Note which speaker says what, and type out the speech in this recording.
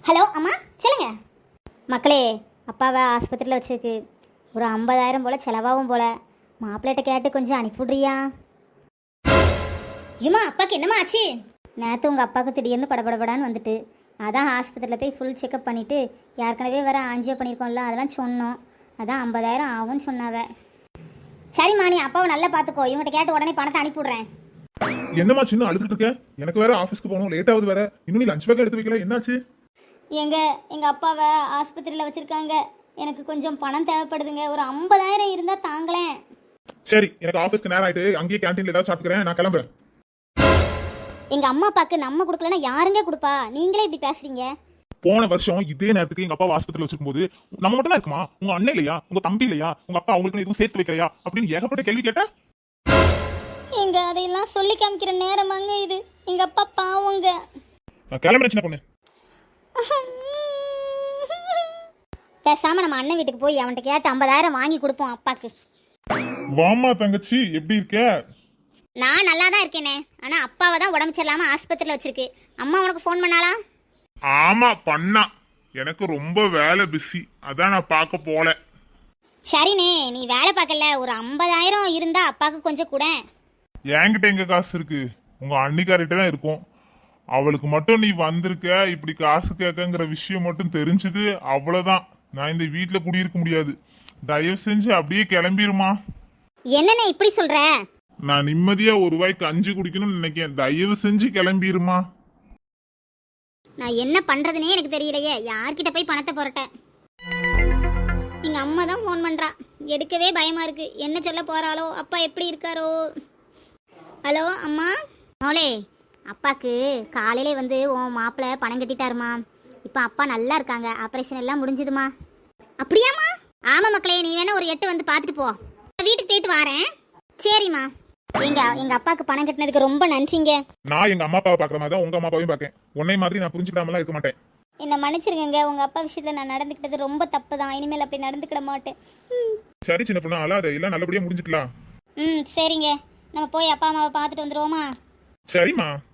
Speaker 1: Hello அம்மா சொல்லுங்க. மக்களே, அப்பாவை ஆஸ்பத்திரியில் வச்சிருக்கு. ஒரு 50,000 போல் செலவாகும் போல். மாப்பிள்ளைகிட்ட கேட்டு கொஞ்சம் அனுப்பிவிட்றியா? ஏம்மா அப்பாவுக்கு என்னம்மா ஆச்சு? நேற்று உங்கள் அப்பாவுக்கு திடீர்னு படபடபடான்னு வந்துட்டு, அதான் ஆஸ்பத்திரியில் போய் ஃபுல் செக்கப் பண்ணிவிட்டு ஏற்கனவே வேறு ஆஞ்சியோ பண்ணியிருக்கோம்ல, அதெல்லாம் சொன்னோம். அதான் 50,000 ஆகும்னு சொன்னாவ. சரிம்மா, நீ அப்பாவை நல்லா பார்த்துக்கோ. இவங்ககிட்ட கேட்டு உடனே பணத்தை அனுப்பிவிட்றேன்.
Speaker 2: என்னம்மா சின்ன அழுதுட்டு இருக்க? எனக்கு வேற ஆஃபீஸ்க்கு போகணும், லேட் ஆகுது வேற. இன்னும் நீ லஞ்ச் பேக் எடுத்து வைக்கல, என்னாச்சு?
Speaker 1: எங்கள் அப்பாவை ஆஸ்பத்திரியில் வச்சுருக்காங்க. எனக்கு கொஞ்சம் பணம் தேவைப்படுதுங்க. ஒரு 50,000 இருந்தால் தாங்களேன்.
Speaker 2: சரி, எனக்கு ஆஃபீஸ்க்கு நேரம் ஆயிட்டு அங்கேயே கேண்டீன்ல ஏதாவது சாப்பிட்டுக்கிறேன், நான் கிளம்புறேன்.
Speaker 1: எங்கள் அம்மா அப்பாவுக்கு நம்ம கொடுக்கலன்னா யாருங்க கொடுப்பா? நீங்களே இப்படி பேசுறீங்க.
Speaker 2: போன வருஷம் இதே நேரத்துக்கு எங்க அப்பா ஆஸ்பத்திரியில் வச்சிருக்கும் போது நம்ம மட்டும் தான் இருக்குமா? உங்க அண்ணன் இல்லையா? உங்க தம்பி இல்லையா? உங்க அப்பா அவங்களுக்கு எதுவும் சேர்த்து வைக்கலையா அப்படின்னு ஏகப்பட்ட கேள்வி கேட்டேன்.
Speaker 1: எங்க அதையெல்லாம் சொல்லி காமிக்கிற நேரமாங்க இது. எங்க அப்பா பாவங்க.
Speaker 2: நான் கிளம்புறேன் சின்ன பொண்ணு.
Speaker 1: பேசாம நம்ம அண்ணன் வீட்டுக்கு போய் அவன்கிட்ட கேட்டு 50,000 வாங்கி கொடுப்போம் அப்பாக்கு.
Speaker 2: வாமா தங்கச்சி, எப்படி இருக்க?
Speaker 1: நான் நல்லா தான் இருக்கேனே. ஆனா அப்பாவை தான் உடம்பு சரியில்லாம ஆஸ்பத்திரியில் வச்சிருக்கு. அம்மா உனக்கு ஃபோன் பண்ணாளா?
Speaker 3: ஆமா பண்ணா. எனக்கு ரொம்ப வேலை பிஸி, அதான் நான் பார்க்க போல.
Speaker 1: சரிண்ணே, நீ வேலை பார்க்கல. ஒரு 50,000 இருந்தா அப்பாக்கு கொஞ்சம் கூட.
Speaker 3: என்கிட்ட எங்க காசு இருக்கு? உங்க அன்னிக்காரிட்ட தான் இருக்கும். அவளுக்கு மட்டும் நீ வந்திருக்க, இப்படி காசு கேட்கங்கிற விஷயம் மட்டும் தெரிஞ்சது, அவ்வளவுதான். நான் இந்த வீட்டுல குடியிருக்க முடியாது. தயவு செஞ்சு அப்படியே கிளம்பிருமா.
Speaker 1: என்னண்ணே இப்படி சொல்ற?
Speaker 3: நான் நிம்மதியா ஒரு வாய்க்கு கஞ்சி குடிக்கணும்னு நினைக்கிறேன். தயவு செஞ்சு கிளம்பிருமா.
Speaker 1: நான் என்ன பண்றதுனே எனக்கு தெரியலையே. யார்கிட்ட போய் பணத்தை புரட்ட? எங்க அம்மா தான் ஃபோன் பண்றா. எடுக்கவே பயமா இருக்கு. என்ன சொல்ல போறாளோ? அப்பா எப்படி இருக்காரோ? ஹலோ அம்மா. மோளே, அப்பாக்கு காலையிலே வந்து உன் மாப்பிள்ளை பணம் கட்டிட்டாருமா. இப்போ அப்பா நல்லா இருக்காங்க. ஆப்ரேஷன் எல்லாம் முடிஞ்சுதுமா. அப்படியாம்மா? ஆமா மக்களே, நீ வேணா ஒரு 8 வந்து பார்த்துட்டு போ. வீட்டுக்கு போயிட்டு வரேன். சரிம்மா. எங்க அப்பாவுக்கு பணம் கட்டினதுக்கு ரொம்ப நன்றிங்க.
Speaker 2: நான் எங்க அம்மா அப்பாவை பாக்குற மாதிரி தான் உங்க அம்மா அப்பாவையும் பார்க்கேன். உன்னை மாதிரி நான் புரிஞ்சுக்காமலாம் இருக்க மாட்டேன்.
Speaker 1: என்ன மன்னிச்சிருக்கங்க. உங்க அப்பா விஷயத்துல நான் நடந்துக்கிட்டது ரொம்ப தப்பு தான். இனிமேல் அப்படி நடந்துக்கிட மாட்டேன்.
Speaker 2: சரி சின்ன பொண்ணு, அல்லாத எல்லாம் நல்லபடியா முடிஞ்சுக்கலாம்.
Speaker 1: சரிங்க. நம்ம போய் அப்பா அம்மாவை பார்த்துட்டு வந்துருவோமா?
Speaker 2: சரிம்மா.